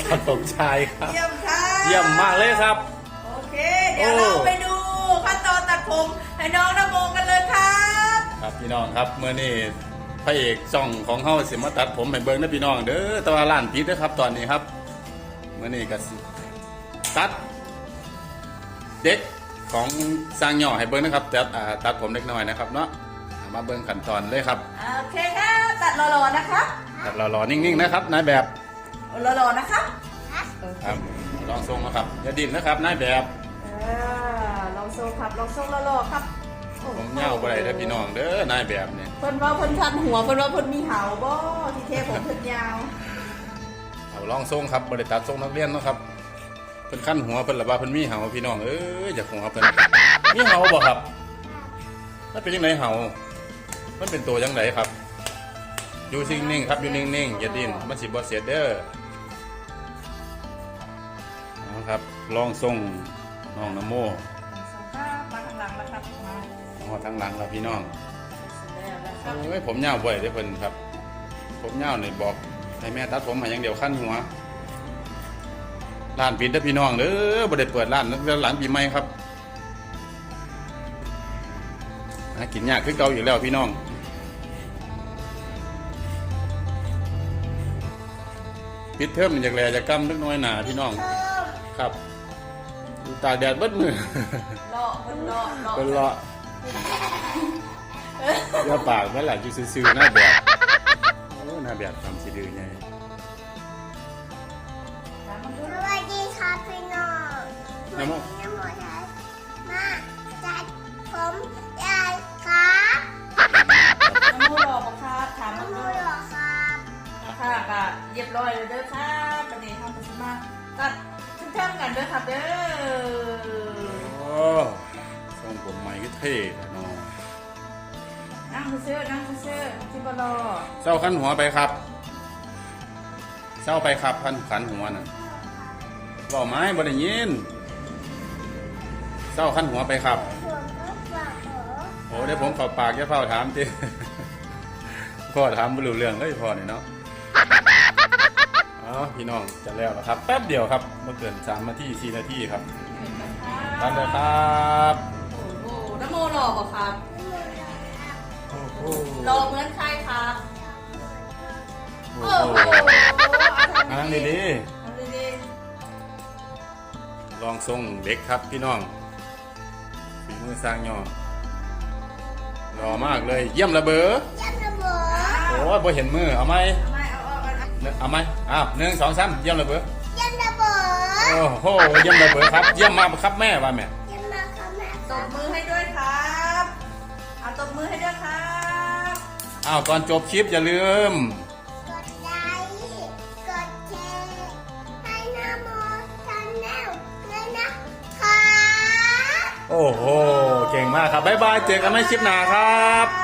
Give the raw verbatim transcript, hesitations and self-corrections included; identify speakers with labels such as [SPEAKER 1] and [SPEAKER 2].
[SPEAKER 1] ตอนผมชายครับ
[SPEAKER 2] เยี่ยมค่ะ
[SPEAKER 1] เยี่ยมมากเลยครับ
[SPEAKER 2] โอเคเดี๋ยวเราไปดูขั้นตอนตัดผมให้น้องนโมกันเลยครับ
[SPEAKER 1] ครับพี่น้องครับเมื่อนี้พระเอกช่องของเฮาสิมาตัดผมให้เบิ่งนะพี่น้องเด้อแต่ว่าร้านปิดเด้อครับตอนนี้ครับเมื่อนี้ก็สิตัดเด็กของสร้างย่อให้เบิ่งนะครับตัดตัดผมเล็กน้อยนะครับเนาะมาเบิ่งขั้นตอนเลยครับ
[SPEAKER 2] โอเคครับตัดหล่อๆนะครับ
[SPEAKER 1] ตัดหล่อๆนิ่งๆนะครับนายแบบ
[SPEAKER 2] หล่อๆนะครับ
[SPEAKER 1] ครับลองทรงนะครับอย่าดิ้นนะครับนายแบบ
[SPEAKER 2] ลองทรงครับลองทรงหล่อๆครับ
[SPEAKER 1] ผมเงาไปเลยพี่น้องเด้อนายแบบเนี่ย
[SPEAKER 2] เพิ่นว่าเพิ่นทันหัวเพิ่นว่าเพิ่นมีเหาบ่ที่เทผมเพิ่นยาว
[SPEAKER 1] เอาลองทรงครับบริตัดทรงนักเรียนนะครับเพิ่นขั้นหัวเพิ่นละว่าเพิ่นมีเหาพี่น้องเอ้ยอยากหัวเพิ่นมีเหาบ่ครับมันเป็นยังไงเหามันเป็นตัวยังไงครับอยู่นิ่งๆครับอยู่นิ่งๆอย่าดิ้นมันสิบ่เสียเด้อนะครับลองทรงน้องนโม
[SPEAKER 2] มาทางหลังนะครับมา
[SPEAKER 1] อ๋อทางหลังแล้วพี่น้องเอ้ยผมยาวบ่อยเด้อเพิ่นครับผมยาวนี่บอกให้แม่ตัดผมให้อย่างเดียวขั้นหัวร้านปิดเด้อพี่น้องเด้อบ่ได้เปิดร้านตั้งแต่หลังปีใหม่ครับหากินยากคือเก่าอยู่แล้วพี่น้องปิดเทอมจากแลจากกำเล็กน้อยหนาพี่น้องครับตากแดดเบิดมือ
[SPEAKER 2] เลาะเป็นเลาะเลาะ
[SPEAKER 1] เป็นเลาะเยอะปากเมื่อไหร่จะซื้อหน้าแบบโอ้หน้าแบบทำสีดื้อไง
[SPEAKER 3] สวัสดีครับพี่น้องน้ำมันน้ำมันมาจัดผมยายครับ
[SPEAKER 2] น้ำมูหล่อปะครับถามน้ำมู
[SPEAKER 3] หล่อครับ
[SPEAKER 2] ค่ะก็เรียบร้อยเลยเด้อครับประเดี๋ยวทำผสมมาตัดขึ้นแท่งกันเด้อครับเด้อ
[SPEAKER 1] โอ้ทรงผมใหม่ก็เท่เนาะ
[SPEAKER 2] นั่งซื้อนั่งซื้อที่บลอ
[SPEAKER 1] เศร้าขันหัวไปครับเศร้าไปครับขันขันหัวน่ะบอกไม้บ่ได้ยินเศร้าขันหัวไปครับโอ้เดี๋ยวผมขอปากแค่เฝ้าถามทีพ่อถามไม่รู้เรื่องเลยพ่อเนี่ยเนาะอ๋อพี่น้องจะแล้วครับแป๊บเดียวครับเมื่อเกินสามนาทีสี่นาทีครับตัดเลยครับ
[SPEAKER 2] โอ้โหน้ำโมหล่อป่ะครับหล่อเหมือนใครครับโอ้โห
[SPEAKER 1] นั่งดีดีลองทรงเด็กครับพี่น้องฝีมือสร้างย่อหล่อมากเลยเยี่ยมระเบ้อ
[SPEAKER 3] เยี่ยมระเบ้อ
[SPEAKER 1] โอ้ยบ่เห็นมือเอาไหมเอาไหมอ้าวหนึ่งสองสามเยี่ยมระเบ้อ
[SPEAKER 3] เยี่ยมระเบ้อ
[SPEAKER 1] โอ้โหเยี่ยมระเบ้อครับเยี่ยมมากครับแม่ว่าแม่
[SPEAKER 3] เยี่ยมมากครับแม่
[SPEAKER 2] ตบมือให้ด้วยครับเอาตบมือให้ด้วยครับ
[SPEAKER 1] อ้าวก่อนจบคลิปอย่าลืม
[SPEAKER 3] กดไลค์กดแชร์ให้น้ำโมชันแนลเลยนะครับ
[SPEAKER 1] โอ้โหเก่งมากครับบ๊ายบายเจอกันในคลิปหน้าครับ